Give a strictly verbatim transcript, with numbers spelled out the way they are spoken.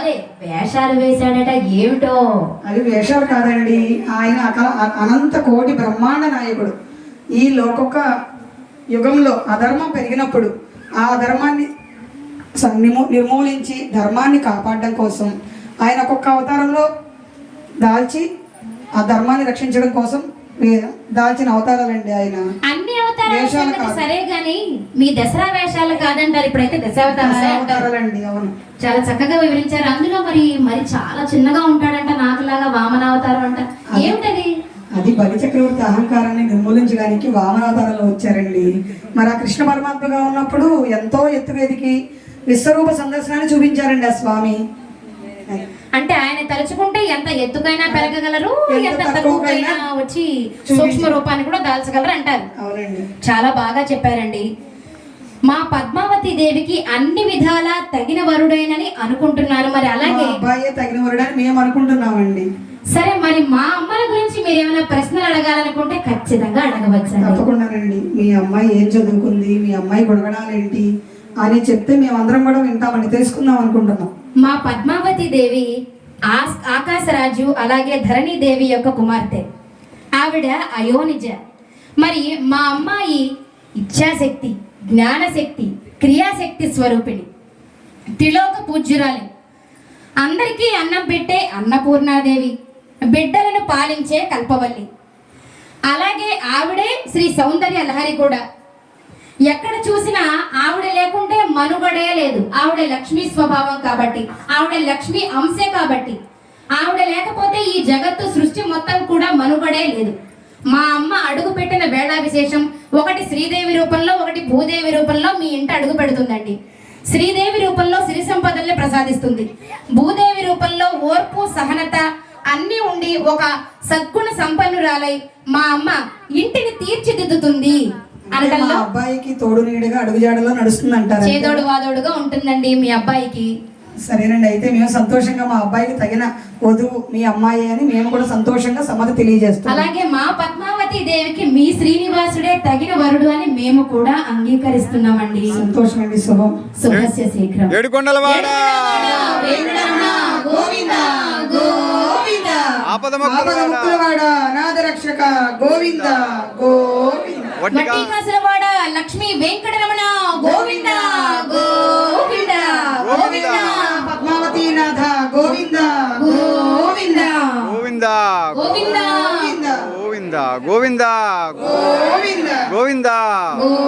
అదే వేషాలు వేశాడట, ఏమిటో? అవి వేషాలు కాదండి, ఆయన అక- అనంత కోటి బ్రహ్మాండ నాయకుడు. ఈ లోకొక యుగంలో అధర్మం పెరిగినప్పుడు ఆ అధర్మాన్ని స- నిమూ నిర్మూలించి ధర్మాన్ని కాపాడడం కోసం ఆయన ఒక్కొక్క అవతారంలో దాల్చి ఆ ధర్మాన్ని రక్షించడం కోసం వే- దాల్చిన అవతారాలండి ఆయన. అన్ని అవతారాలు వేషాలు సంగతి కాదు. సరే గాని మీ దసరా వేషాలు కాదంటారు, ఇప్పుడైతే దశావతారాలే అంటారు. అవతారాలండి, అవును. చాలా చక్కగా వివరించారు. అందులో మరి మరి చాలా చిన్నగా ఉంటాడంట, నాకులాగా వామన అవతారం అంట, ఏమిటది? అది బలి చక్రవర్తి అహంకారాన్ని నిర్మూలించడానికి వామనావతారంలో వచ్చారండి. మరి ఆ కృష్ణ పరమాత్మగా ఉన్నప్పుడు ఎంతో ఎత్తుకు ఎదిగి విశ్వరూప సందర్శనాన్ని చూపించారండి ఆ స్వామి. అంటే ఆయన తలుచుకుంటే ఎంత ఎత్తుకైనా పెరగగలరు, ఎంత ఎంత తక్కువకైనా తక్కువకైనా వచ్చి సూక్ష్మ రూపాన్ని కూడా దాల్చగలరు అంటారు. అవునండి. చాలా బాగా చెప్పారండి. మా పద్మావతి దేవికి అన్ని విధాలా తగిన వరుడైనని అనుకుంటున్నాను. మరి అలాగే మా అబ్బాయే తగిన వరుడని మేము అనుకుంటున్నామండి. సరే, మరి మా అమ్మల గురించి మీరు ఏమైనా ప్రశ్నలు అడగాలనుకుంటే ఖచ్చితంగా అడగవచ్చండి. తప్పకుండానండి. మీ అమ్మాయి ఏం చదువుకుంది, మీ అమ్మాయి గుణగణాలు ఏంటి అని చెప్తే మేము అందరం కూడా వింటామండి, తెలుసుకుందాం అనుకుంటున్నాం. మా పద్మావతి దేవి ఆస్ ఆకాశరాజు అలాగే ధరణి దేవి యొక్క కుమార్తె. ఆవిడ అయోనిజ. మరి మా అమ్మాయి ఇచ్ఛాశక్తి, జ్ఞానశక్తి, క్రియాశక్తి స్వరూపిణి, త్రిలోక పూజ్యురాలి, అందరికీ అన్నం పెట్టే అన్నపూర్ణాదేవి, బిడ్డలను పాలించే కల్పవల్లి. అలాగే ఆవిడే శ్రీ సౌందర్య లహరి కూడా. ఎక్కడ చూసినా ఆవిడ లేకుంటే మనుగడే లేదు. ఆవిడ లక్ష్మీ స్వభావం కాబట్టి, ఆవిడ లక్ష్మీ అంశే కాబట్టి, ఆవిడ లేకపోతే ఈ జగత్తు సృష్టి మొత్తం కూడా మనుగడే లేదు. మా అమ్మ అడుగు పెట్టిన వేళ విశేషం ఒకటి శ్రీదేవి రూపంలో, ఒకటి భూదేవి రూపంలో మీ ఇంట అడుగు పెడుతుందండి. శ్రీదేవి రూపంలో సిరి సంపదల్ని ప్రసాదిస్తుంది. భూదేవి రూపంలో ఓర్పు, సహనత అన్నీ ఉండి ఒక సద్గుణ సంపన్నురాలై మా అమ్మ ఇంటిని తీర్చిదిద్దుతుంది అనడంలో అబ్బాయికి తోడు నీడగా అడుగుజాడలో నడుస్తుంది అంటారు. చేదోడు వాదోడుగా ఉంటుందండి మీ అబ్బాయికి. సరేనండి, అయితే మేము సంతోషంగా మా అబ్బాయికి తగిన వధువు మీ అమ్మాయి అని మేము కూడా సంతోషంగా సమ్మతి తెలియజేస్తాం. అలాగే మా పద్మావతి దేవికి మీ శ్రీనివాసుడే తగిన వరుడు అని మేము కూడా అంగీకరిస్తున్నామండి. సంతోషం అండి. శుభం. శుభస్య శీఘ్రం. ఏడుకొండలవాడ గోవింద గోవింద ఆపదముక్కులవాడ అనాథ రక్షక గోవింద గోవింద వట్టికాసులవాడ లక్ష్మీ వెంకటరమణ గోవింద గోవింద గోవింద పద్మావతి నాథ గోవింద గోవింద గోవింద గోవింద గోవింద గోవింద గోవింద గోవింద గోవింద